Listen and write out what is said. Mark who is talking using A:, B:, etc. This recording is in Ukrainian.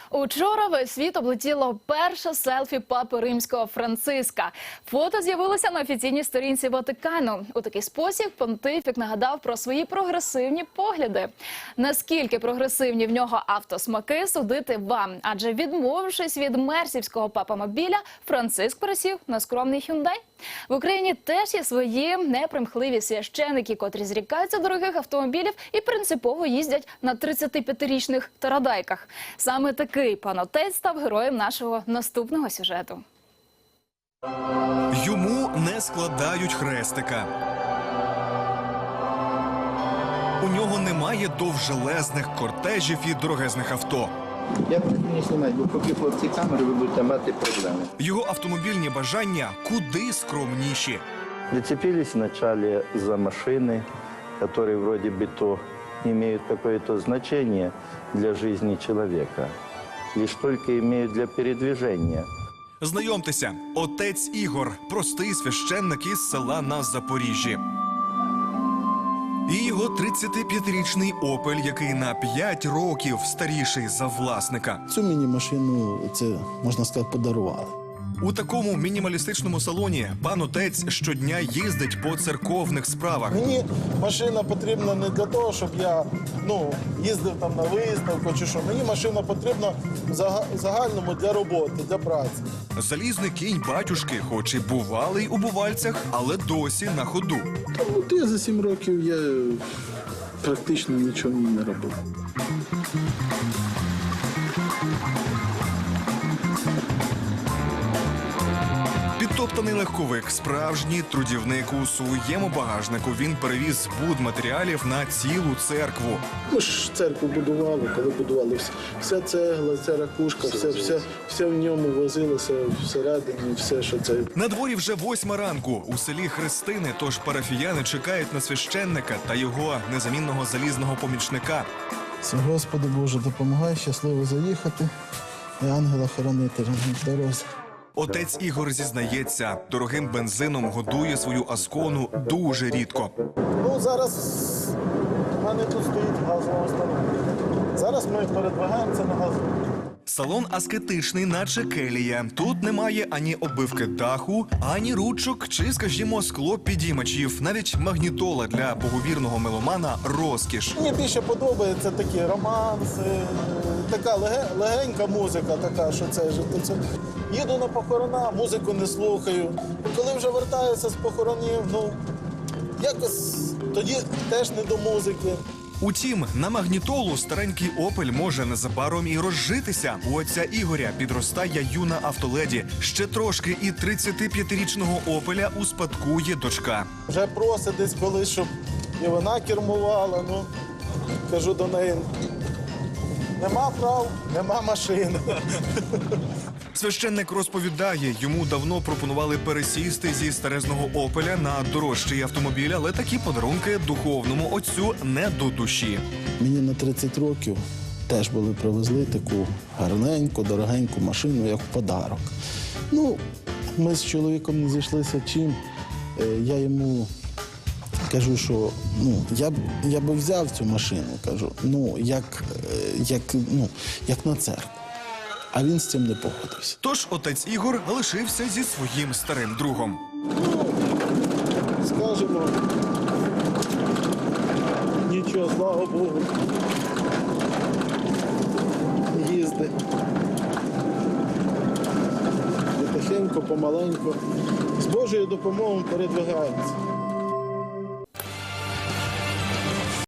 A: Учора весь світ облетіло перше селфі папи римського Франциска. Фото з'явилося на офіційній сторінці Ватикану. У такий спосіб понтифік нагадав про свої прогресивні погляди. Наскільки прогресивні в нього автосмаки, судити вам. Адже відмовившись від мерсівського папамобіля, Франциск пересів на скромний Hyundai. В Україні теж є свої непримхливі священики, котрі зрікаються дорогих автомобілів і принципово їздять на 35-річних тарадайках. Саме такий пан отець став героєм нашого наступного сюжету.
B: Йому не складають хрестика. У нього немає довжелезних кортежів і дорогезних авто.
C: Я буду не знімати, бо поки хлопці камери, ви будете мати проблеми.
B: Його автомобільні бажання куди скромніші.
C: Зацепились вначале за машины, которые вроде бы то имеют какое-то значение для жизни человека, лишь только имеют для передвижения.
B: Знайомтеся, отець Ігор, простий священник із села на Запоріжжі. І його 35-річний «Опель», який на 5 років старіший за власника.
D: Цю міні-машину, це, можна сказати, подарували.
B: У такому мінімалістичному салоні пан отець щодня їздить по церковних справах.
E: Мені машина потрібна не для того, щоб я їздив там на виставку чи що. Мені машина потрібна в загальному для роботи, для праці.
B: Залізний кінь батюшки, хоч і бувалий у бувальцях, але досі на ходу.
D: Я за 7 років я практично нічого не робив.
B: Підтоптаний легковик, справжній трудівник. У своєму багажнику він перевіз будматеріалів на цілу церкву.
D: Ми ж церкву будували, коли будували. Вся цегла, ця ракушка, все в ньому возилося всередині, все, що це.
B: На дворі вже 8 ранку. У селі Христини, тож парафіяни чекають на священника та його незамінного залізного помічника.
D: Господи Боже, допомагай щасливо заїхати і ангела-хоронителя на дорозі.
B: Отець Ігор зізнається, дорогим бензином годує свою Аскону дуже рідко.
E: Зараз в мене тут стоїть газова установка. Зараз ми передвигаємося на газу.
B: Салон аскетичний, наче келія. Тут немає ані оббивки даху, ані ручок чи, скажімо, склопідіймачів. Навіть магнітола для боговірного меломана – розкіш.
E: Мені більше подобається такі романси, така легенька музика, така, що це життя. Їду на похорона, музику не слухаю. Коли вже вертаюся з похоронів, якось тоді теж не до музики.
B: Утім, на магнітолу старенький «Опель» може незабаром і розжитися. У отця Ігоря підростає юна автоледі. Ще трошки і 35-річного «Опеля» успадкує дочка.
E: Вже просить десь колись, щоб і вона кермувала. Кажу до неї, нема прав, нема машини.
B: Священник розповідає, йому давно пропонували пересісти зі старезного «Опеля» на дорожчий автомобіль, але такі подарунки духовному отцю не до душі.
D: Мені на 30 років теж привезли таку гарненьку, дорогеньку машину, як подарок. Ми з чоловіком не зійшлися чим. Я йому кажу, що я би взяв цю машину, кажу, як на церкву. А він з цим не погодився.
B: Тож отець Ігор лишився зі своїм старим другом.
E: Скажемо, нічого, слава Богу, їзди. Потихеньку, помаленьку, з Божою допомогою передвигаємося.